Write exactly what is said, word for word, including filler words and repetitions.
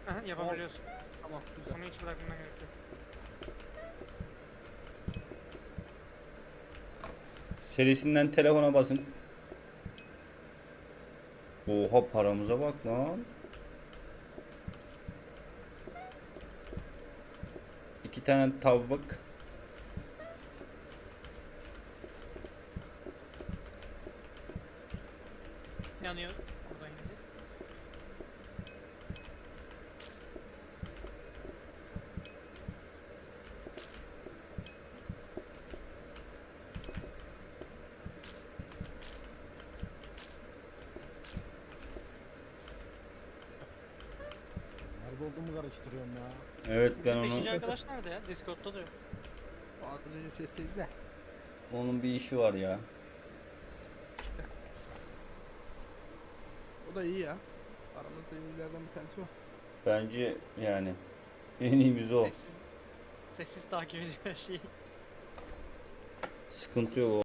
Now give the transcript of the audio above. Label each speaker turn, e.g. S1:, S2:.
S1: Aha, yapabiliyorsun.
S2: Tamam güzel.
S1: Onu hiç bırakmana gerek yok.
S3: Serisinden telefona basın. Oha paramıza bak lan. İki tane tavuk.
S1: Yanıyor. Oradan gidiyor.
S2: Nerede olduğumu karıştırıyorum ya.
S3: Evet ben
S1: Bizim beşinci
S3: onu
S1: arkadaş nerede ya? Discord'da da yok.
S2: Az önce sesteydi de.
S3: onun bir işi var ya.
S2: O da iyi ya. Aramızda iyilerden bir tanesi o.
S3: Bence yani en iyimiz o.
S1: Sessiz, sessiz takip ediyor her şeyi.
S3: Sıkıntı yok.